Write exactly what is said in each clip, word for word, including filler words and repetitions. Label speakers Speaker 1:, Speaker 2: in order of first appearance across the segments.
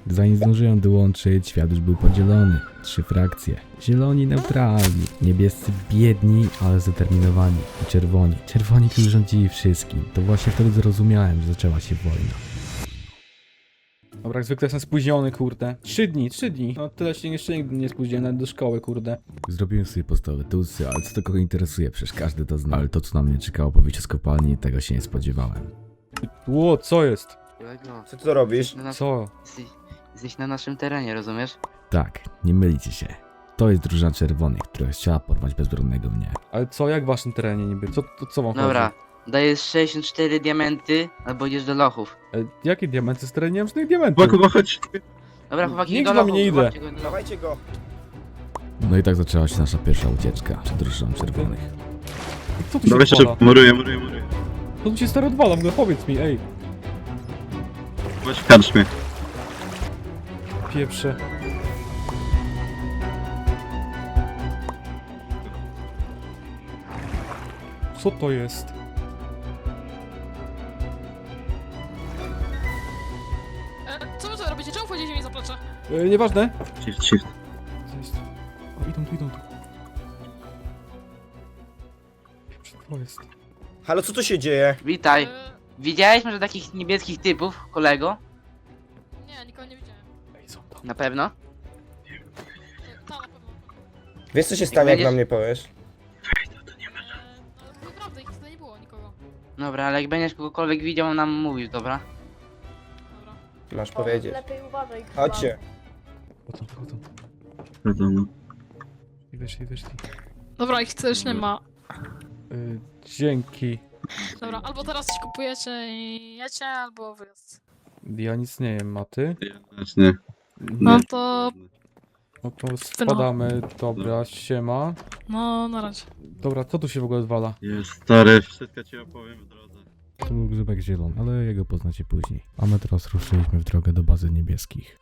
Speaker 1: Zanim zdążyłem dołączyć, świat już był podzielony. Trzy frakcje. Zieloni neutralni, niebiescy biedni, ale zdeterminowani i czerwoni. Czerwoni, którzy rządzili wszystkim. To właśnie wtedy zrozumiałem, że zaczęła się wojna.
Speaker 2: Dobra, jak zwykle jestem spóźniony, kurde. Trzy dni, trzy dni. No tyle się jeszcze nigdy nie spóźniłem, nawet do szkoły, kurde.
Speaker 1: Zrobiłem sobie podstawowe tucy, ale co to kogo interesuje, przecież każdy to zna. Ale to, co na mnie czekało po wyjściu z kopalni, tego się nie spodziewałem.
Speaker 2: Ło, co jest?
Speaker 3: Kolego,
Speaker 4: Co ty to robisz?
Speaker 3: na nas...
Speaker 2: Co?
Speaker 3: jesteś, jesteś na naszym terenie, rozumiesz?
Speaker 1: Tak, nie mylicie się. To jest drużyna czerwonych, która chciała porwać bezbronnego mnie.
Speaker 2: Ale co, jak w waszym terenie niby? Co, to, co wam
Speaker 3: Dobra,
Speaker 2: chodzi?
Speaker 3: dajesz sześćdziesiąt cztery diamenty, albo idziesz do lochów.
Speaker 2: E, jakie diamenty? Stary, nie mam żadnych diamentów.
Speaker 5: Chyba, chyba chodź.
Speaker 3: Dobra, chłopaki,
Speaker 2: Nigdzie
Speaker 3: do
Speaker 2: tam
Speaker 3: lochów.
Speaker 2: nie idę.
Speaker 3: zobaczcie go do lochów.
Speaker 4: Dawajcie go.
Speaker 1: No i tak zaczęła się nasza pierwsza ucieczka przed drużyną czerwonych.
Speaker 2: Co tu się
Speaker 5: Dawaj
Speaker 2: odwala?
Speaker 5: szybko, muruję, muruję, muruję.
Speaker 2: Co tu się stary odwala? W ogóle powiedz mi, ej.
Speaker 5: Chodź w karczmie.
Speaker 2: Pieprze. Co to jest?
Speaker 6: E, co wy tu robicie? Czemu wchodzicie mi za plecze?
Speaker 2: E, nieważne.
Speaker 5: Shift, shift.
Speaker 2: Co jest? O, idą tu, idą tu. Pieprze, to jest.
Speaker 4: Halo, co tu się dzieje?
Speaker 3: Witaj.
Speaker 6: E,
Speaker 3: Widziałeś może takich niebieskich typów, kolego?
Speaker 6: nie, nikogo nie widziałem.
Speaker 2: Ej, są tam.
Speaker 3: Na pewno?
Speaker 6: E, ta na pewno.
Speaker 4: Wiesz co się stanie, jak
Speaker 3: będziesz-
Speaker 4: na mnie powiesz?
Speaker 6: E, no, naprawdę, ich tutaj nie było nikogo.
Speaker 3: Dobra, ale jak będziesz kogokolwiek widział, nam mówisz, dobra?
Speaker 6: Dobra.
Speaker 4: Masz powiedzieć.
Speaker 7: Lepiej uważaj. kurwa.
Speaker 4: Chodźcie.
Speaker 2: Chodzą, chodzą.
Speaker 5: Wiadomo.
Speaker 2: I wyszli, wyszli.
Speaker 6: Dobra, ich też nie ma.
Speaker 2: Y, dzięki.
Speaker 6: Dobra, albo teraz coś kupujecie i jecie, albo wyjazd.
Speaker 2: Ja nic nie jem, a ty?
Speaker 5: Znacznie.
Speaker 6: No to...
Speaker 2: No to spadamy, dobra, siema.
Speaker 6: no, na razie.
Speaker 2: Dobra, co tu się w ogóle odwala?
Speaker 5: Jest stary, wszystko ci opowiem w drodze.
Speaker 1: To był grzybek zielony, ale jego poznacie później. A my teraz ruszyliśmy w drogę do bazy niebieskich.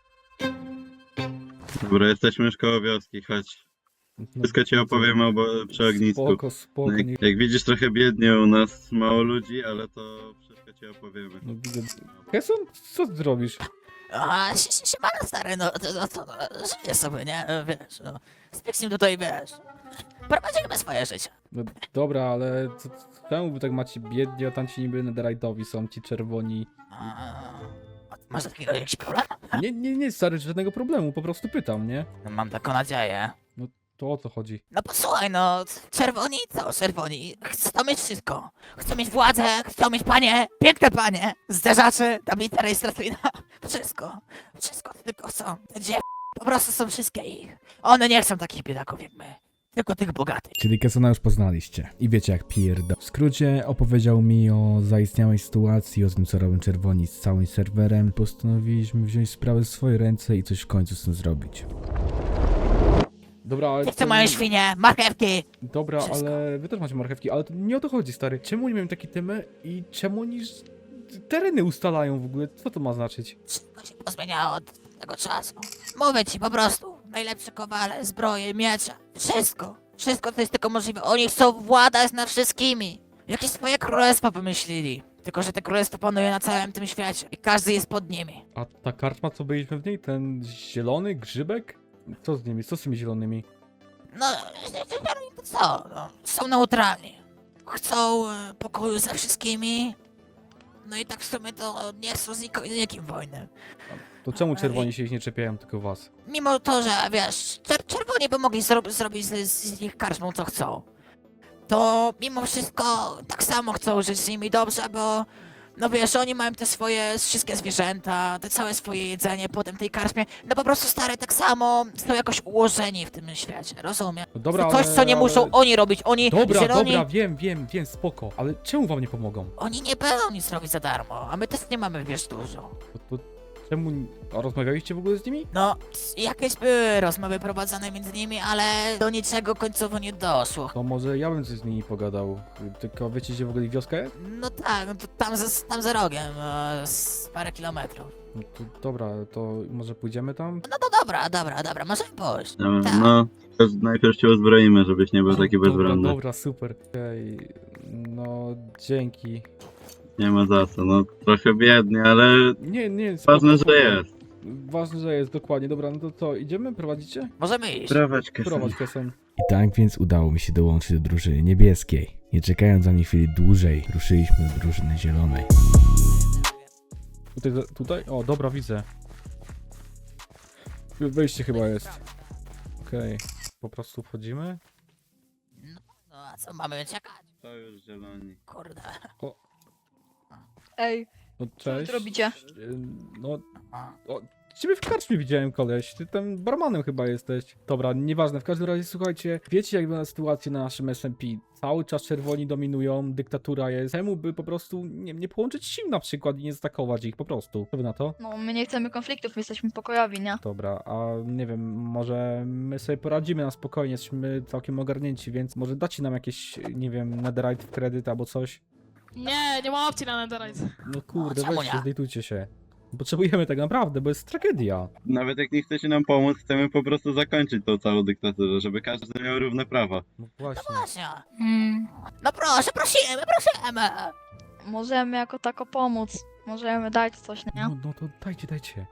Speaker 5: Dobra, jesteśmy już koło wioski, chodź.
Speaker 2: No,
Speaker 5: Wszystko ci opowiem obo- przy ognisku.
Speaker 2: Spoko, spoko.
Speaker 5: No,
Speaker 2: Nie...
Speaker 5: jak, jak widzisz, trochę biednie u nas, mało ludzi, ale to wszystko ci opowiemy.
Speaker 2: No, widzę. Keson, co ty zrobisz?
Speaker 8: A, si- si- siemano stary, no to, no, to no, żyję sobie, nie? Wiesz, no. Z Pixim tutaj, wiesz, prowadzimy swoje życie.
Speaker 2: No, dobra, ale co, czemu wy tak macie biednie, a tam ci niby netherite'owi są ci czerwoni?
Speaker 8: A, masz takiego jakiś problem?
Speaker 2: Nie, nie, nie, stary, żadnego problemu, po prostu pytam, nie?
Speaker 8: No, mam taką nadzieję.
Speaker 2: To o co chodzi?
Speaker 8: No posłuchaj, no, czerwoni, co czerwoni? Chcą mieć wszystko. Chcą mieć władzę, chcą mieć panie, piękne panie, zderzaczy, tablica rejestracyjna, wszystko. Wszystko tylko chcą. Te dziew... po prostu są wszystkie ich. One nie chcą takich biedaków jak my. Tylko tych bogatych.
Speaker 1: Czyli Kesona już poznaliście. I wiecie jak pierda. W skrócie opowiedział mi o zaistniałej sytuacji, o tym co robią czerwoni z całym serwerem. Postanowiliśmy wziąć sprawę w swoje ręce i coś w końcu z tym zrobić.
Speaker 2: Dobra, ale...
Speaker 8: Chcę
Speaker 2: to-
Speaker 8: moje świnie, marchewki.
Speaker 2: Dobra,
Speaker 8: Wszystko.
Speaker 2: ale wy też macie marchewki, ale to nie o to chodzi, stary. Czemu nie mają takie temy i czemu oni ż- tereny ustalają w ogóle? Co to ma znaczyć?
Speaker 8: Wszystko się pozmieniało od tego czasu. Mówię ci po prostu. Najlepsze kowale, zbroje, miecze. Wszystko. Wszystko to jest tylko możliwe. Oni chcą władać nad wszystkimi. Jakieś swoje królestwo pomyśleli. Tylko, że te królestwo panuje na całym tym świecie. I każdy jest pod nimi.
Speaker 2: A ta karczma, co byliśmy w niej, ten zielony grzybek? Co z nimi? Co z tymi zielonymi?
Speaker 8: No, to co? No, są neutralni. Chcą e, pokoju ze wszystkimi. No i tak w sumie to nie chcą z niko- z nikim wojny.
Speaker 2: To czemu czerwoni się ich nie czepiają, tylko was?
Speaker 8: Mimo to, że wiesz, czer czerwoni by mogli zro zrobić z, z nich karczmą co chcą, to mimo wszystko tak samo chcą żyć z nimi dobrze, bo no wiesz, oni mają te swoje wszystkie zwierzęta, te całe swoje jedzenie potem tej karczmie, no po prostu stare tak samo są jakoś ułożeni w tym świecie, rozumiem?
Speaker 2: No dobra,
Speaker 8: Coś,
Speaker 2: ale,
Speaker 8: co nie muszą
Speaker 2: ale...
Speaker 8: oni robić, oni
Speaker 2: Dobra,
Speaker 8: zieloni,
Speaker 2: dobra, wiem, wiem, wiem, spoko. Ale czemu wam nie pomogą?
Speaker 8: oni nie będą nic robić za darmo, a my też nie mamy, wiesz, dużo.
Speaker 2: To, to czemu... A rozmawialiście w ogóle z nimi?
Speaker 8: No, jakieś były rozmowy prowadzone między nimi, ale do niczego końcowo nie doszło.
Speaker 2: To może ja bym coś z nimi pogadał. Tylko wiecie, gdzie w ogóle wioska jest?
Speaker 8: No tak, no to tam za, tam za rogiem, e, z parę kilometrów.
Speaker 2: No to dobra, to może pójdziemy tam?
Speaker 8: No to dobra, dobra, dobra, możemy pójść.
Speaker 5: Dobra,
Speaker 8: Tak.
Speaker 5: no, to najpierw cię uzbroimy, żebyś nie był taki
Speaker 2: Dobra,
Speaker 5: bezbronny.
Speaker 2: dobra, super. Okej, no dzięki.
Speaker 5: Nie ma za co, no trochę biednie, ale
Speaker 2: Nie, nie, spoko,
Speaker 5: ważne,
Speaker 2: spoko.
Speaker 5: że jest.
Speaker 2: Ważne, że jest, dokładnie. Dobra, no to co, idziemy? Prowadzicie?
Speaker 8: Możemy iść.
Speaker 5: Prowadź Keson.
Speaker 2: Prowadź, Keson.
Speaker 1: I tak więc udało mi się dołączyć do drużyny niebieskiej. Nie czekając ani chwili dłużej, ruszyliśmy do drużyny zielonej.
Speaker 2: Tutaj, tutaj? O, dobra, widzę. Wejście chyba jest. Okej. Po prostu wchodzimy.
Speaker 8: No a co, mamy czekać?
Speaker 5: To już zieloni.
Speaker 8: Kurde.
Speaker 7: Ej,
Speaker 2: No
Speaker 7: co wy
Speaker 2: cześć.
Speaker 7: tu robicie?
Speaker 2: Y, No, o, ciebie w karczmie widziałem, koleś. Ty tam barmanem chyba jesteś. Dobra, nieważne. W każdym razie, słuchajcie, wiecie jak wygląda sytuacja na naszym S M P. Cały czas czerwoni dominują, dyktatura jest. Czemu by po prostu nie, nie połączyć sił na przykład i nie zaatakować ich po prostu? Co wy na to?
Speaker 7: No, my nie chcemy konfliktów, my jesteśmy pokojowi, nie?
Speaker 2: Dobra, a nie wiem, może my sobie poradzimy na spokojnie, jesteśmy całkiem ogarnięci, więc może dacie nam jakieś, nie wiem, netherite w kredyt albo coś?
Speaker 6: Nie, nie ma opcji na netherite.
Speaker 2: No kurde,
Speaker 8: czemu
Speaker 2: weźcie,
Speaker 8: nie?
Speaker 2: zlitujcie się. Potrzebujemy tego naprawdę, bo jest tragedia.
Speaker 5: Nawet jak nie chcecie nam pomóc, chcemy po prostu zakończyć tą całą dyktaturę, żeby każdy miał równe prawa.
Speaker 2: No właśnie.
Speaker 8: Właśnie.
Speaker 7: Hmm,
Speaker 8: No proszę, prosimy, prosimy.
Speaker 7: możemy jako tako pomóc. Możemy dać coś, nie?
Speaker 2: No, no to dajcie, dajcie.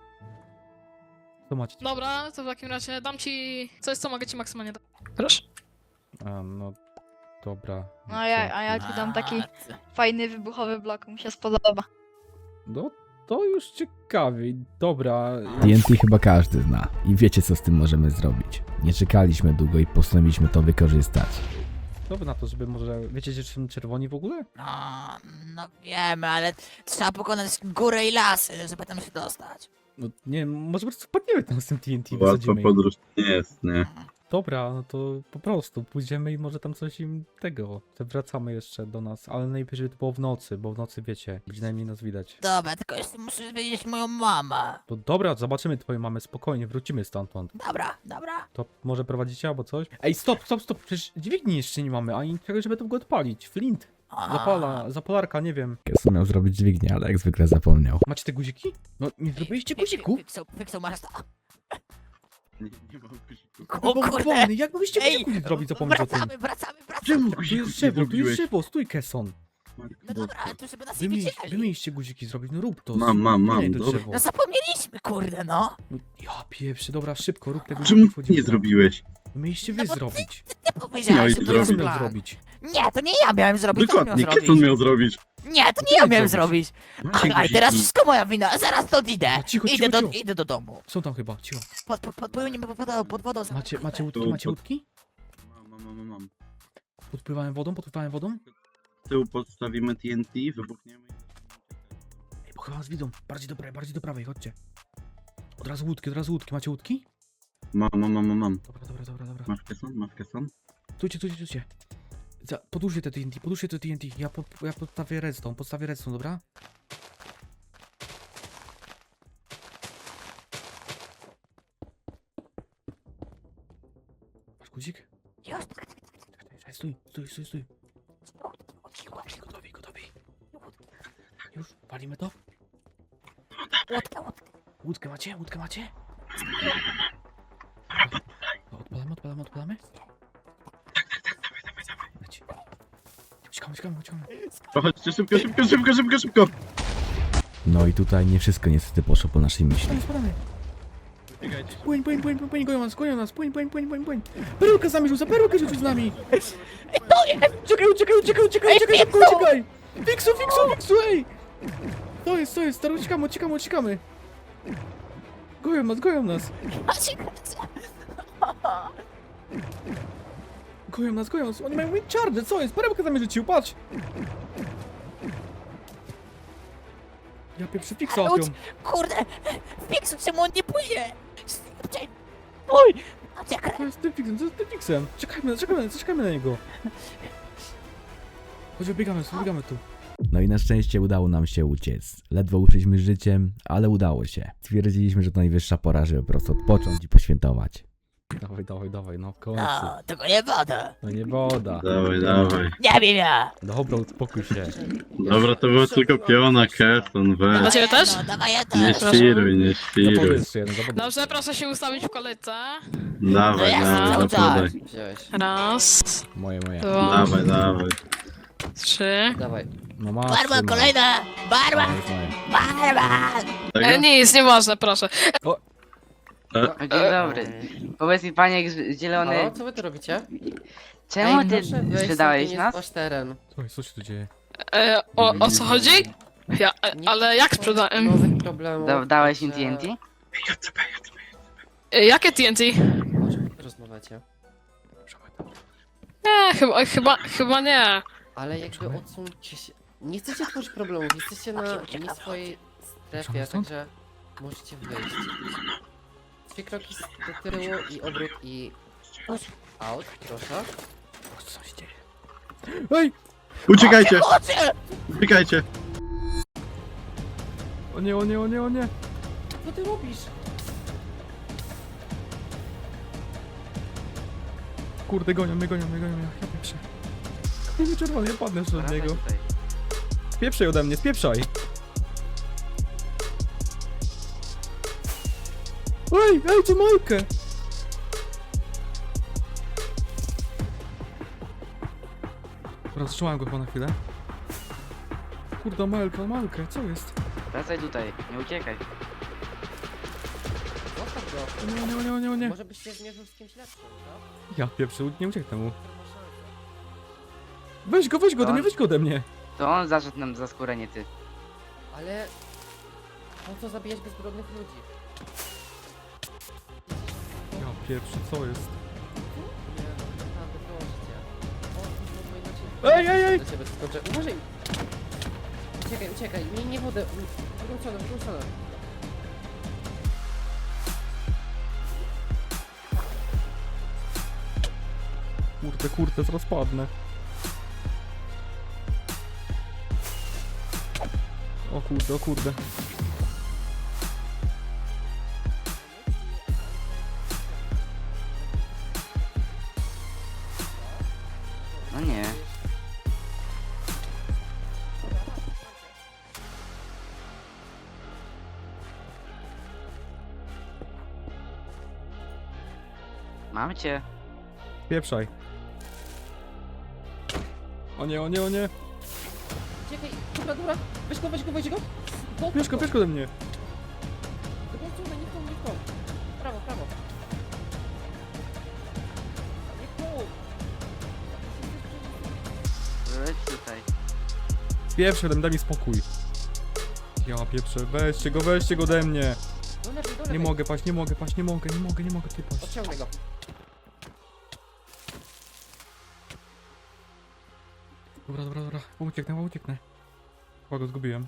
Speaker 2: Co macie?
Speaker 6: Dobra, to w takim razie dam ci coś, co mogę ci maksymalnie dać. Proszę.
Speaker 2: A, no, dobra.
Speaker 7: No a ja, a ja ci dam taki fajny, wybuchowy blok, mi się spodoba.
Speaker 2: No, to już ciekawie. Dobra.
Speaker 1: T N T chyba każdy zna i wiecie co z tym możemy zrobić. Nie czekaliśmy długo i postanowiliśmy to wykorzystać.
Speaker 2: Co wy na to, żeby może... Wiecie, gdzie są czerwoni w ogóle?
Speaker 8: No, no wiemy, ale trzeba pokonać górę i lasy, żeby tam się dostać.
Speaker 2: No, nie może po prostu wpadniemy tam z tym T N T,
Speaker 5: Łatwa
Speaker 2: wysadzimy ich.
Speaker 5: podróż nie jest, nie?
Speaker 2: Dobra, no to po prostu pójdziemy i może tam coś im tego. Wracamy jeszcze do nas, ale najlepiej, żeby to było w nocy, bo w nocy wiecie, gdzie najmniej nas widać.
Speaker 8: Dobra, tylko jeszcze muszę wiedzieć moją mamę.
Speaker 2: To dobra, zobaczymy twoją mamę, spokojnie, wrócimy stamtąd.
Speaker 8: Dobra, dobra.
Speaker 2: To może prowadzicie albo coś? Ej, stop, stop, stop, przecież dźwigni jeszcze nie mamy, ani czegoś, żeby to go odpalić. Flint,
Speaker 8: A,
Speaker 2: zapala, zapalarka, nie wiem.
Speaker 1: Keson miał zrobić dźwignię, ale jak zwykle zapomniał.
Speaker 2: Macie te guziki? No, nie zrobiliście
Speaker 8: Fik-
Speaker 2: guzików?
Speaker 8: Fiksą, fiksą masz to.
Speaker 5: Nie, nie mam guzików.
Speaker 8: O
Speaker 2: No,
Speaker 8: kurde.
Speaker 2: wolny, jak mogliście
Speaker 8: Ej,
Speaker 2: guzików zrobić, zapomnieć o tym?
Speaker 8: wracamy, wracamy, wracamy.
Speaker 5: Czemu
Speaker 2: Tu
Speaker 5: guzików
Speaker 2: jest
Speaker 5: nie
Speaker 2: drzewo, tu jest
Speaker 5: zrobiłeś?
Speaker 2: drzewo, stój, Kesson.
Speaker 8: No dobra, ale tu żeby nas
Speaker 2: Wy
Speaker 8: nie
Speaker 2: mieliście, wy
Speaker 8: widzieli.
Speaker 2: mieliście guziki zrobić, no rób to.
Speaker 5: Mam, mam, mam,
Speaker 2: Nie, to
Speaker 5: dobra.
Speaker 2: drzewo.
Speaker 8: No zapomnieliśmy, kurde, no.
Speaker 2: No, ja pieprzy, dobra, szybko, rób tego.
Speaker 5: Czemu
Speaker 2: wchodzimy
Speaker 5: nie
Speaker 2: tam.
Speaker 5: zrobiłeś?
Speaker 2: Wy mieliście wy
Speaker 8: No bo ty-
Speaker 2: zrobić.
Speaker 8: Ty powiedziałeś,
Speaker 5: Miałeś
Speaker 8: że to
Speaker 5: zrobić.
Speaker 8: jest
Speaker 2: Kto miał
Speaker 8: plan.
Speaker 2: zrobić?
Speaker 8: Nie, to nie ja miałem zrobić, to on miał
Speaker 5: Dokładnie,
Speaker 8: zrobić.
Speaker 5: Keson miał zrobić.
Speaker 8: Nie, to
Speaker 2: Ty
Speaker 8: nie ja
Speaker 2: miałeś
Speaker 8: miałem
Speaker 2: zrobić.
Speaker 8: zrobić.
Speaker 5: Macie
Speaker 8: Aj, teraz
Speaker 5: guziki.
Speaker 8: wszystko moja wina, zaraz stąd idę.
Speaker 2: A, cicho,
Speaker 8: Idę
Speaker 2: cicho,
Speaker 8: do,
Speaker 2: cicho.
Speaker 8: idę do domu.
Speaker 2: Są tam chyba, cicho.
Speaker 8: Pod, pod, podpłynie pod wodą, pod wodą.
Speaker 2: Macie, macie łódki,
Speaker 5: Tu,
Speaker 2: macie
Speaker 5: pod-
Speaker 2: łódki?
Speaker 5: Mam, mam, mam, mam.
Speaker 2: Podpływałem wodą, podpływałem wodą?
Speaker 5: Z tyłu podstawimy T N T, wybuchniemy i...
Speaker 2: Ej, bo chyba nas widzą. Bardziej do prawej, bardziej do prawej, chodźcie. Od razu łódki, od razu łódki. Macie łódki?
Speaker 5: Mam, mam, mam, mam, mam.
Speaker 2: Dobra, dobra, dobra, dobra.
Speaker 5: Masz Keson? Masz Keson?
Speaker 2: Stójcie, stójcie, stójcie. Za, podłóżcie te T N T, podłóżcie te T N T. Ja, po, ja podstawię redstone, podstawię redstone, dobra? Masz guzik?
Speaker 8: Już,
Speaker 2: Czekaj, czekaj, Stój, stój, stój, stój. Gotowi, gotowi. Już, walimy to?
Speaker 8: łódka, łódka.
Speaker 2: Łódkę macie? Łódkę macie? No, odpalamy, odpalamy, odpalamy? Leci. Uciekamy, uciekamy, uciekamy.
Speaker 5: Chodźcie szybko, szybko, szybko, szybko, szybko!
Speaker 1: No i tutaj nie wszystko niestety poszło po naszej myśli.
Speaker 2: Spadamy, spadamy.
Speaker 5: Biegajcie.
Speaker 2: Płyń, płyń, płyń, płyń, płyń, goją nas, goją nas, płyń, płyń, płyń, płyń, płyń. Perukę z nami rzuca, perukę rzucił z nami.
Speaker 8: To jest!
Speaker 2: Uciekaj, uciekaj, uciekaj, uciekaj,
Speaker 8: Ej,
Speaker 2: uciekaj, szybko,
Speaker 8: Fiksu!
Speaker 2: uciekaj. Fiksu, fiksu, fiksu, ej. To jest, to jest, stary, uciekamy, uciekamy, uciekamy. Goją nas, goją nas.
Speaker 8: Macie kręcę.
Speaker 2: Goją nas, goją nas, oni mają wind charge, co jest? Perełkę za mnie rzucił, patrz! Ja pieprzę fiksa łapią.
Speaker 8: Kurde, Fiksu, czemu on nie płynie? Szybciej. Mój! Macie kręcę.
Speaker 2: Co jest z tym fiksem, co jest z tym fiksem? Czekajmy, czekajmy, czekajmy na niego. Chodź, biegamy, biegamy tu.
Speaker 1: No i na szczęście udało nam się uciec. Ledwo uszliśmy życiem, ale udało się. Stwierdziliśmy, że to najwyższa pora, żeby po prostu odpocząć i poświętować.
Speaker 2: Dawaj, dawaj, dawaj, no w końcu.
Speaker 8: No, tylko nie woda.
Speaker 2: No nie woda.
Speaker 5: Dawaj, dawaj.
Speaker 8: Nie wiem ja.
Speaker 2: Dobra, uspokój się.
Speaker 5: Dobra, to było tylko piona, Keson,
Speaker 6: Dla
Speaker 5: weź.
Speaker 6: ciebie też?
Speaker 8: No, dawaj ja
Speaker 5: Nie
Speaker 8: też.
Speaker 5: świruj, nie
Speaker 2: Za
Speaker 5: świruj.
Speaker 2: wodę jeszcze jeden, za wodę.
Speaker 6: Dobrze, proszę się ustawić w kolejce.
Speaker 5: Dawaj,
Speaker 8: No ja
Speaker 5: dawaj,
Speaker 8: cały
Speaker 5: zapadaj.
Speaker 8: czas.
Speaker 6: Raz,
Speaker 2: Moje, moje.
Speaker 6: dwa,
Speaker 5: Dawaj, dawaj.
Speaker 6: trzy,
Speaker 9: Dawaj.
Speaker 1: No masz.
Speaker 8: Barman,
Speaker 1: synu.
Speaker 8: kolejna! Barman!
Speaker 1: Już mają.
Speaker 8: Barman!
Speaker 5: Tego?
Speaker 6: E, nic, nieważne, proszę.
Speaker 3: O, dzień dobry. Powiedz mi, panie z- zielony,
Speaker 9: Halo, co wy tu robicie?
Speaker 3: czemu
Speaker 9: Ej,
Speaker 3: ty
Speaker 9: proszę wejść,
Speaker 3: sprzedałeś
Speaker 9: to nie
Speaker 3: nas?
Speaker 9: jest wasz teren.
Speaker 2: Słuchaj, co się tu dzieje?
Speaker 6: E, o, o co chodzi? Ja, e,
Speaker 9: Nie
Speaker 6: ale jak
Speaker 9: chcę
Speaker 6: sprzedałem?
Speaker 9: nowych problemów,
Speaker 3: Da, dałeś im
Speaker 9: także-
Speaker 3: T N T?
Speaker 6: E, jakie T N T?
Speaker 9: O czym wy rozmawiacie?
Speaker 6: Nie, chyba, chyba, chyba nie.
Speaker 9: Ale jakby odsuńcie się. Nie chcecie tworzyć problemów, jesteście na nie swojej strefie,
Speaker 2: Uciekamy stąd?
Speaker 9: także możecie wyjść. Trzy kroki z- do tyłu i obrót i... Out, proszę.
Speaker 2: Co się dzieje? Ej!
Speaker 5: Uciekajcie!
Speaker 8: Chodźcie!
Speaker 5: Uciekajcie!
Speaker 2: O nie, o nie, o nie, o nie!
Speaker 9: Co ty robisz?
Speaker 2: Kurde, gonią mnie, gonią mnie, gonią mnie. Ja pieprzę. Nie czerwony, ja padnę jeszcze od
Speaker 3: Wracaj
Speaker 2: niego.
Speaker 3: tutaj.
Speaker 2: Spieprzaj ode mnie, spieprzaj! Ej, ej, co Majkę? Dobra, zatrzymałem go chyba na chwilę. Kurde, Malka, Malkę, co jest?
Speaker 3: Wracaj tutaj, nie uciekaj.
Speaker 9: Zostaw go.
Speaker 2: O nie, o nie, o nie, o nie, o nie.
Speaker 9: Może byś się zmierzył z kimś lepszym, co?
Speaker 2: Ja pieprzę, nie ucieknę mu.
Speaker 9: Może ma szansę.
Speaker 2: Weź go, weź go ode mnie, weź go ode mnie.
Speaker 3: To on zaszedł nam za skórę, nie ty.
Speaker 9: Ale... Po co zabijać bezbrodnych ludzi?
Speaker 2: Ja pieprzę, co jest?
Speaker 9: Nie, no naprawdę, proszę cię. O, bo inaczej...
Speaker 2: Ej, ej, ej!
Speaker 9: Do ciebie skoczę. Uważaj! Uciekaj, uciekaj, nie, nie wodę. W drugą stronę, w drugą stronę.
Speaker 2: Kurde, kurde, zaraz padnę. O kurde, o kurde.
Speaker 3: No nie. Mam cię.
Speaker 2: Pieprzaj. O nie, o nie, o nie.
Speaker 9: Uciekaj, dobra, dobra. Weź go, weź go, weź go. Go,
Speaker 2: Bierz go, bierz go ode mnie.
Speaker 9: Drugą stronę, nie w tą, nie w tą. Prawo, prawo. Nie w tą.
Speaker 3: Leć tutaj.
Speaker 2: Pieprzę ode mnie, daj mi spokój. Ja pieprzę, weźcie go, weźcie go ode mnie.
Speaker 9: Do lewej, do lewej.
Speaker 2: Nie mogę paść, nie mogę paść, nie mogę, nie mogę, nie mogę ty paść.
Speaker 9: Odciągnę go.
Speaker 2: Dobra, dobra, dobra, ucieknę, ucieknę. Chyba go zgubiłem.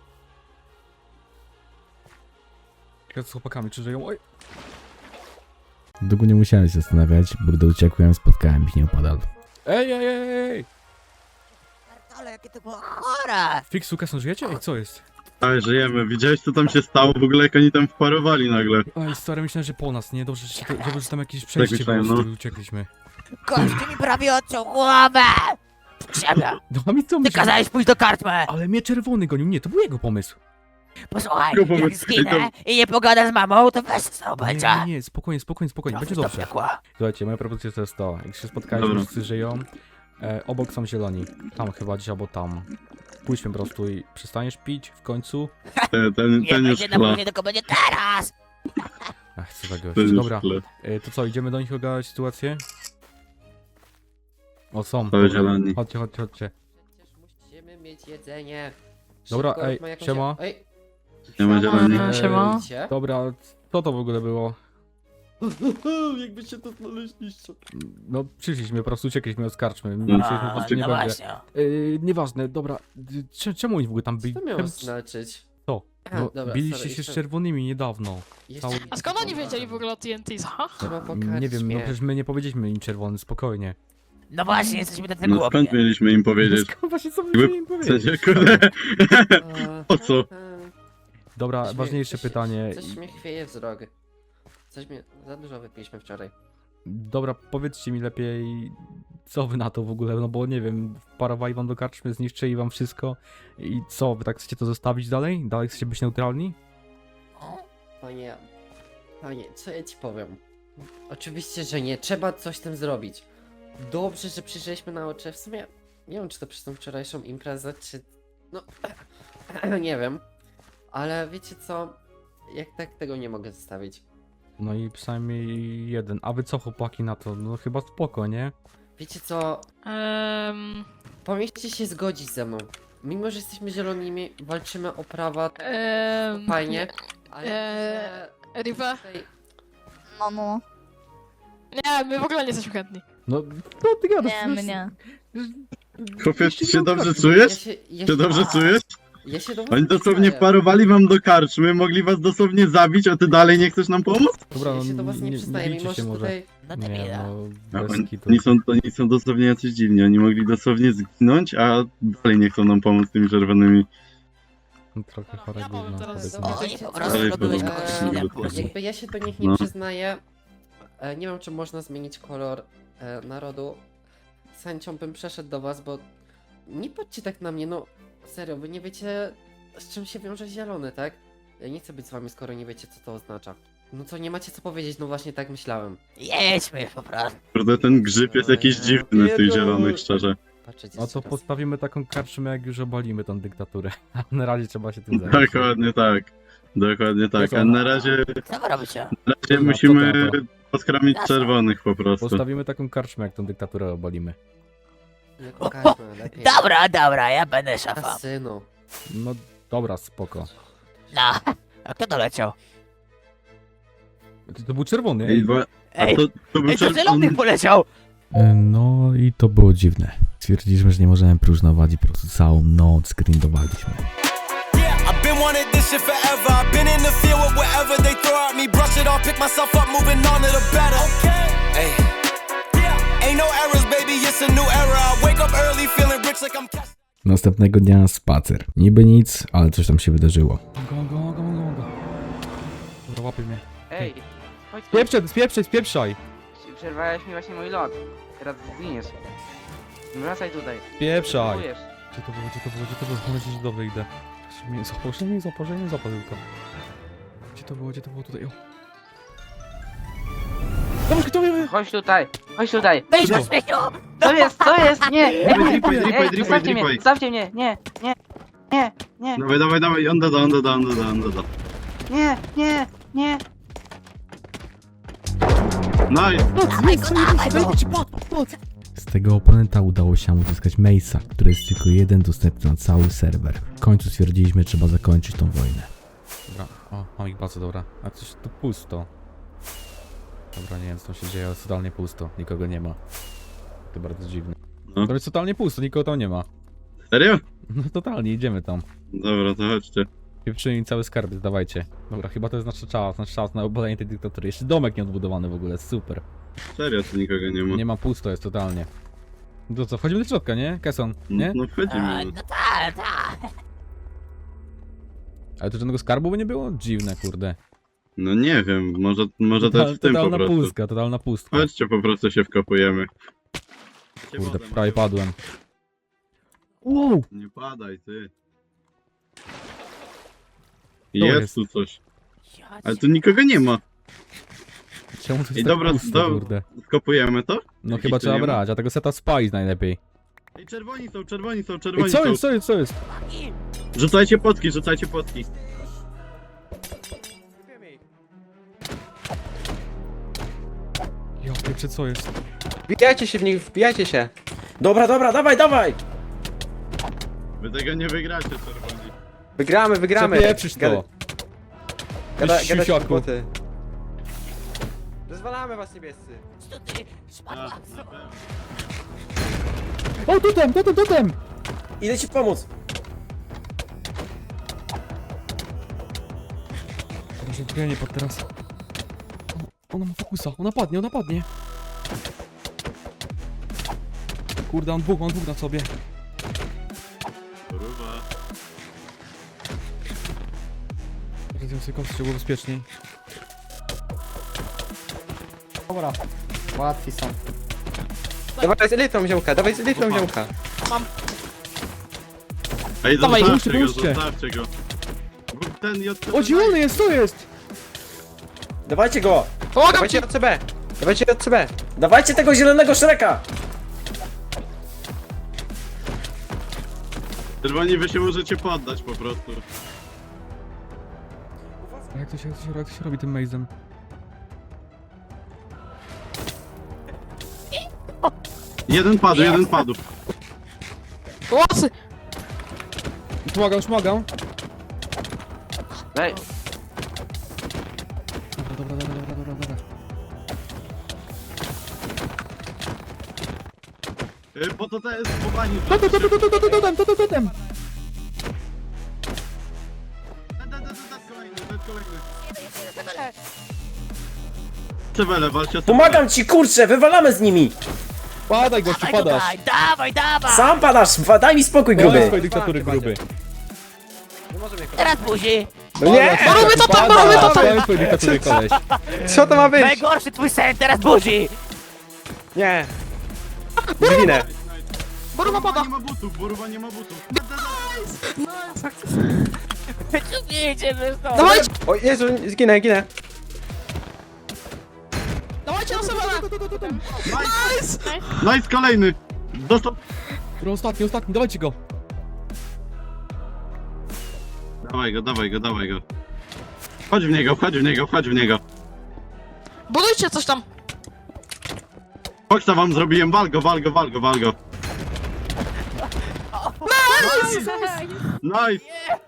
Speaker 2: Ja z chłopakami, czy żyją? Oj!
Speaker 1: Długo nie musiałem się zastanawiać, bo gdy uciekłem, spotkałem ich nieopodal.
Speaker 2: Ej, ej, ej, ej!
Speaker 8: Ale jakie to było chore!
Speaker 2: Fix, Lukason, żyjecie? Ej, co jest?
Speaker 5: Ale żyjemy. Widziałeś co tam się stało? W ogóle jak oni tam wparowali nagle.
Speaker 2: Ej, stary, myślałem, że po nas, nie? Dobrze, że, to, że, że tam jakieś przejście
Speaker 5: myślałem,
Speaker 2: było,
Speaker 5: no.
Speaker 2: z którego uciekliśmy.
Speaker 8: Gościu mi prawie odciął głowę! Ziemia!
Speaker 2: No a mi co
Speaker 8: Ty
Speaker 2: myślisz?
Speaker 8: kazałeś pójść do karczmy!
Speaker 2: Ale mnie czerwony gonił, nie, to był jego pomysł.
Speaker 8: Posłuchaj,
Speaker 5: Tylko
Speaker 8: jak
Speaker 5: powiedz-
Speaker 8: zginę i nie pogadam z mamą, to weź co
Speaker 2: Nie,
Speaker 8: będzie.
Speaker 2: nie, nie, spokojnie, spokojnie, spokojnie, będzie
Speaker 8: To
Speaker 2: dobrze.
Speaker 8: piekła.
Speaker 2: Słuchajcie, moja propozycja to jest to, jak się spotkaliśmy,
Speaker 5: Dobra.
Speaker 2: wszyscy żyją, e, obok są zieloni, tam chyba gdzieś albo tam. Pójdźmy po prostu i przestaniesz pić w końcu.
Speaker 5: Ten, ten,
Speaker 8: Nie
Speaker 5: ten już
Speaker 8: będzie na
Speaker 5: chla.
Speaker 8: później, tylko będzie teraz!
Speaker 2: Ach, co za gość.
Speaker 5: Ten już
Speaker 2: Dobra,
Speaker 5: chla.
Speaker 2: e, to co, idziemy do nich ogarnąć sytuację? O, są.
Speaker 5: To
Speaker 2: dobra.
Speaker 5: zieloni.
Speaker 2: Chodźcie, chodźcie, chodźcie.
Speaker 9: Przecież musimy mieć jedzenie.
Speaker 2: Dobra,
Speaker 9: Szybko,
Speaker 2: ej,
Speaker 9: ma jakąś-
Speaker 2: siema.
Speaker 9: Ej,
Speaker 5: Nie ma zieloni.
Speaker 6: Siema. Siema.
Speaker 9: widzicie?
Speaker 2: Dobra, co to w ogóle było?
Speaker 9: Jakbyście to znaleźliście.
Speaker 2: No, przyszliśmy, po prostu uciekliśmy od karczmy.
Speaker 5: A,
Speaker 2: Myśleliśmy, po prostu nie
Speaker 8: no
Speaker 2: będzie.
Speaker 8: właśnie.
Speaker 2: Yy, nieważne, dobra. y, Cze- czemu oni w ogóle tam byli?
Speaker 9: Co miało
Speaker 2: Tam-
Speaker 9: znaczyć?
Speaker 2: Co?
Speaker 9: A,
Speaker 2: No,
Speaker 9: dobra,
Speaker 2: biliście
Speaker 9: sorry,
Speaker 2: się z
Speaker 9: jeszcze-
Speaker 2: czerwonymi niedawno.
Speaker 9: Jeszcze-
Speaker 2: Cały-
Speaker 6: A skąd oni wiedzieli w ogóle o T N T, ha?
Speaker 9: Trzeba po
Speaker 2: Nie wiem, no
Speaker 9: karczmie.
Speaker 2: przecież my nie powiedzieliśmy im czerwony, spokojnie.
Speaker 8: No właśnie, jesteśmy tacy
Speaker 5: No
Speaker 8: głupi.
Speaker 5: skąd mieliśmy im powiedzieć?
Speaker 2: Skąd właśnie co
Speaker 5: Jakby-
Speaker 2: my im
Speaker 5: W
Speaker 2: powiedzieć?
Speaker 5: sensie, kurde.
Speaker 9: A,
Speaker 5: Po co?
Speaker 9: a,
Speaker 2: Dobra,
Speaker 9: coś mnie-
Speaker 2: ważniejsze
Speaker 9: coś-
Speaker 2: pytanie.
Speaker 9: Coś mnie chwieje wzrok. Coś mnie... Za dużo wypiliśmy wczoraj.
Speaker 2: Dobra, powiedzcie mi lepiej, co wy na to w ogóle, no bo nie wiem, wparowali wam do karczmy, zniszczyli wam wszystko i co, wy tak chcecie to zostawić dalej? Dalej chcecie być neutralni?
Speaker 9: Panie... Panie, co ja ci powiem? Oczywiście, że nie. Trzeba coś z tym zrobić. Dobrze, że przyjrzeliśmy na oczy. W sumie... Nie wiem, czy to przez tą wczorajszą imprezę, czy No, nie wiem. Ale wiecie co? Jak tak tego nie mogę zostawić.
Speaker 2: No i przynajmniej jeden. A wy co, chłopaki, na to? No chyba spoko, nie?
Speaker 9: Wiecie co?
Speaker 6: Ehm,
Speaker 9: Powinniście się zgodzić ze mną. Mimo, że jesteśmy zielonymi, walczymy o prawa,
Speaker 6: ehm,
Speaker 9: fajnie, ale...
Speaker 6: Eee,
Speaker 9: że
Speaker 6: Riva?
Speaker 9: tutaj-
Speaker 7: No, no.
Speaker 6: Nie, my w ogóle nie jesteśmy chętni.
Speaker 2: No, no ty gadasz.
Speaker 7: Nie, mnie.
Speaker 5: Chłopie, ty się dobrze
Speaker 9: Ja
Speaker 5: czujesz?
Speaker 9: się, ja
Speaker 5: Się dobrze czujesz?
Speaker 9: Ja się do was
Speaker 5: Oni dosłownie
Speaker 9: przyznaję.
Speaker 5: wparowali wam do karczmy, mogli was dosłownie zabić, a ty dalej nie chcesz nam pomóc?
Speaker 2: Dobra,
Speaker 9: Ja
Speaker 2: no
Speaker 9: się do was nie
Speaker 2: nie,
Speaker 9: przyznaję,
Speaker 2: nie
Speaker 9: mimo
Speaker 2: bijcie
Speaker 9: że
Speaker 2: się może.
Speaker 9: tutaj...
Speaker 8: No
Speaker 2: Nie,
Speaker 8: debila.
Speaker 2: no,
Speaker 5: A
Speaker 2: bez
Speaker 5: oni,
Speaker 2: kitu.
Speaker 5: oni, są, oni są dosłownie jacyś dziwni, oni mogli dosłownie zginąć, a dalej nie chcą nam pomóc tymi czerwonymi.
Speaker 2: No, trochę chore
Speaker 6: Ja powiem
Speaker 2: gówno.
Speaker 6: teraz-
Speaker 2: powiedzmy.
Speaker 9: Dobra,
Speaker 8: Oni
Speaker 9: wiecie
Speaker 8: po
Speaker 9: co?
Speaker 8: prostu
Speaker 5: Ale
Speaker 8: robiłeś
Speaker 5: to-
Speaker 8: kogoś
Speaker 5: to-
Speaker 8: źle
Speaker 5: to-
Speaker 8: później.
Speaker 9: Jakby ja się do nich nie
Speaker 5: No.
Speaker 9: przyznaję. E, nie wiem, czy można zmienić kolor e, narodu. Z chęcią bym przeszedł do was, bo nie patrzcie tak na mnie, no serio, wy nie wiecie, z czym się wiąże zielony, tak? Ja nie chcę być z wami, skoro nie wiecie, co to oznacza. No co, nie macie co powiedzieć, no właśnie tak myślałem.
Speaker 8: Jedźmy po prostu.
Speaker 5: Kurde, ten grzyb jest jakiś dziwny z tych zielonych, szczerze.
Speaker 9: Patrzcie,
Speaker 2: No to postawimy taką karczmę, jak już obalimy tą dyktaturę. A na razie trzeba się tym zająć.
Speaker 5: Dokładnie tak. Dokładnie tak. A na razie,
Speaker 8: Co wy robicie?
Speaker 5: na razie
Speaker 2: Dobra,
Speaker 5: musimy
Speaker 2: co to
Speaker 5: poskromić czerwonych po prostu.
Speaker 2: Postawimy taką karczmę, jak tą dyktaturę obalimy.
Speaker 9: Nie pokażmy, lepiej.
Speaker 8: Dobra, dobra, ja będę szafą.
Speaker 9: Asynu.
Speaker 2: No dobra, spoko.
Speaker 8: No, a kto doleciał?
Speaker 2: To, to był czerwony,
Speaker 5: Ej,
Speaker 2: ej.
Speaker 5: bo, a
Speaker 8: Ej,
Speaker 5: to, to był
Speaker 8: ej, to
Speaker 5: czerwony.
Speaker 8: zielony poleciał!
Speaker 1: E, No i to było dziwne. Stwierdziliśmy, że nie możemy próżnować i po prostu całą noc grindowaliśmy.
Speaker 10: I've been wanting this shit forever. I've been in the field with whatever they throw at me. Brush it off, pick myself up, moving on to the better. Hey. Ain't no errors, baby, it's a new era. I wake up early, feeling rich like I'm cash.
Speaker 1: Następnego dnia spacer. Niby nic, ale coś tam się wydarzyło.
Speaker 2: Go, go, go, go, go. Dobra, łapie mnie.
Speaker 3: Ej, chodź tu.
Speaker 2: Spieprzaj, spieprzaj, spieprzaj.
Speaker 3: Przerwałeś mi właśnie mój lot. Teraz zginiesz. Wracaj tutaj.
Speaker 2: Spieprzaj.
Speaker 3: Próbujesz.
Speaker 2: Gdzie to było, gdzie to było, gdzie to było? Mam nadzieję, że dobrze idę. Że mnie złapał, że mnie złapał, że mnie złapał tylko. Gdzie to było, gdzie to było tutaj? O. Dobra, kto wie?
Speaker 3: Chodź tutaj, chodź tutaj.
Speaker 8: Wejdź na śmieciu!
Speaker 3: Co jest, co jest? Nie, nie,
Speaker 5: Dripaj,
Speaker 3: nie,
Speaker 5: dripaj,
Speaker 3: ej,
Speaker 5: dripaj,
Speaker 3: zostawcie mnie,
Speaker 5: dripaj.
Speaker 3: zostawcie mnie, nie, nie, nie, nie,
Speaker 5: Dawaj, dawaj, dawaj, on doda, on doda, on doda, on doda.
Speaker 3: nie, nie, nie.
Speaker 5: Nice!
Speaker 8: Dawaj go, dawaj go!
Speaker 1: Z tego oponenta udało się nam uzyskać Mace'a, który jest tylko jeden dostępny na cały serwer. W końcu stwierdziliśmy, że trzeba zakończyć tą wojnę.
Speaker 2: Dobra, o, mam ich bardzo, dobra. A coś tu pusto. Dobra, nie wiem co tam się dzieje, ale jest totalnie pusto. Nikogo nie ma. To bardzo dziwne.
Speaker 5: No.
Speaker 2: To jest totalnie pusto, nikogo tam nie ma.
Speaker 5: Serio?
Speaker 2: No totalnie, idziemy tam.
Speaker 5: Dobra, to chodźcie.
Speaker 2: Pieprzymy im cały skarb, dawajcie. Dobra, chyba to jest nasz czas, nasz czas na obalenie tej dyktatury. Jeszcze domek nie odbudowany w ogóle, super.
Speaker 5: Serio, tu nikogo nie ma.
Speaker 2: Nie ma, pusto jest totalnie. No to co, wchodzimy do środka, nie? Kesson, nie?
Speaker 5: No
Speaker 8: A,
Speaker 5: wchodzimy.
Speaker 8: no tak, tak.
Speaker 2: Ale tu żadnego skarbu by nie było? Dziwne, kurde.
Speaker 5: No nie wiem, może, może też
Speaker 2: Total,
Speaker 5: w tym po
Speaker 2: totalna
Speaker 5: prostu.
Speaker 2: pustka, totalna pustka.
Speaker 5: Chodźcie, po prostu się wkopujemy.
Speaker 2: Kurde, prawie padłem. Wow!
Speaker 5: Nie padaj, ty.
Speaker 2: To
Speaker 5: Jest
Speaker 2: jest.
Speaker 5: tu coś.
Speaker 8: Ja
Speaker 5: Ale
Speaker 8: cię-
Speaker 5: tu nikogo nie ma.
Speaker 2: Czemu to jest
Speaker 5: Ej,
Speaker 2: tak
Speaker 5: dobra,
Speaker 2: pusto,
Speaker 5: do-
Speaker 2: kurde?
Speaker 5: Skopujemy to?
Speaker 2: No
Speaker 5: Jakiś
Speaker 2: chyba
Speaker 5: tu
Speaker 2: trzeba
Speaker 5: nie ma?
Speaker 2: brać, a tego seta spice najlepiej.
Speaker 5: Ej, czerwoni są, czerwoni są, czerwoni
Speaker 2: Ej, co
Speaker 5: są.
Speaker 2: jest, co jest, co jest?
Speaker 5: Rzucajcie potki, rzucajcie potki.
Speaker 2: Ja pieprzę, co jest?
Speaker 4: Wbijajcie się w nich, wbijajcie się. Dobra, dobra, dawaj, dawaj.
Speaker 5: Wy tego nie wygracie, czerwoni.
Speaker 4: Wygramy, wygramy.
Speaker 2: Przepieprzysz to!
Speaker 4: Gada- Gada,
Speaker 2: Ty
Speaker 4: gadać
Speaker 2: siusiaku.
Speaker 4: głupoty. Rozwalamy was, niebiescy.
Speaker 8: Co ty? Spadła.
Speaker 2: O, totem, totem, totem!
Speaker 4: Idę ci pomóc.
Speaker 2: Może ja nie padł teraz. Ona, ona ma fokusa, ona padnie, ona padnie. Kurde, on dwóch, on dwóch na sobie.
Speaker 5: Kurwa.
Speaker 2: Zjadłem sobie kostkę, było bezpieczniej. Dobra. Łatwiej są.
Speaker 4: Dawaj z litrą ziomka, dawaj z litrą ziomka.
Speaker 5: Ej,
Speaker 2: Dawaj,
Speaker 5: zostawcie go,
Speaker 2: puśćcie, puśćcie.
Speaker 5: zostawcie go. Bo ten J C B
Speaker 2: O, zielony jest, to jest!
Speaker 4: Dawajcie go.
Speaker 6: Pomagam
Speaker 4: Dawajcie
Speaker 6: ci!
Speaker 4: J C B. Dawajcie J C B. Dawajcie tego zielonego Shreka.
Speaker 5: Czerwoni, wy się możecie poddać po prostu.
Speaker 2: A jak to się, jak to się, jak to się robi tym mazem?
Speaker 5: Jeden padł, jeden padł.
Speaker 6: Łosy!
Speaker 2: Pomagam, pomagam.
Speaker 3: Daj.
Speaker 2: Dobra, dobra, dobra, dobra, dobra, dobra.
Speaker 5: Y, Bo to to jest chowani.
Speaker 2: To, to, to, to, to, to, to, to, to, to, to, to, to.
Speaker 5: Cewele, walcie o
Speaker 4: Pomagam ci, kurczę, wywalamy z nimi!
Speaker 2: Padaj gościu,
Speaker 8: Dawaj
Speaker 2: padasz.
Speaker 8: tutaj, dawaj, dawaj!
Speaker 4: Sam padasz, wa- daj mi spokój,
Speaker 2: Koniec
Speaker 4: gruby!
Speaker 2: twojej dyktatury, gruby.
Speaker 4: Nie możemy
Speaker 8: Teraz buzi!
Speaker 4: No nie!
Speaker 6: Robię to tam, robię to tam!
Speaker 2: Koniec twojej dyktatury, koleś.
Speaker 4: Co to ma być?
Speaker 8: Najgorszy twój sen, teraz buzi!
Speaker 4: Nie! Zginę!
Speaker 6: Boruwa pada!
Speaker 5: Nie ma butów, Boruwa nie ma butów.
Speaker 8: Nie idziemy stąd!
Speaker 6: Dawajcie!
Speaker 4: O Jezu, zginę, ginę!
Speaker 6: Dawajcie na sobie! Nice!
Speaker 5: Nice, kolejny. Dostał.
Speaker 2: Dobra, ostatni, ostatni, dawajcie go.
Speaker 5: Dawaj go, dawaj go, dawaj go. Chodź w niego, chodź w niego, chodź w niego.
Speaker 6: Budujcie coś tam!
Speaker 5: Chodź tam wam zrobiłem, wal go, wal go, wal go, wal go. Nice!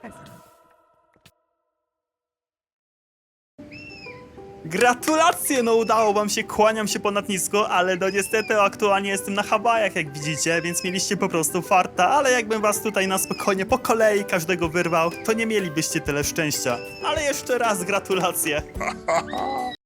Speaker 11: Gratulacje, no udało wam się, kłaniam się ponad nisko, ale no niestety aktualnie jestem na Hawajach, jak widzicie, więc mieliście po prostu farta, ale jakbym was tutaj na spokojnie po kolei każdego wyrwał, to nie mielibyście tyle szczęścia. Ale jeszcze raz gratulacje.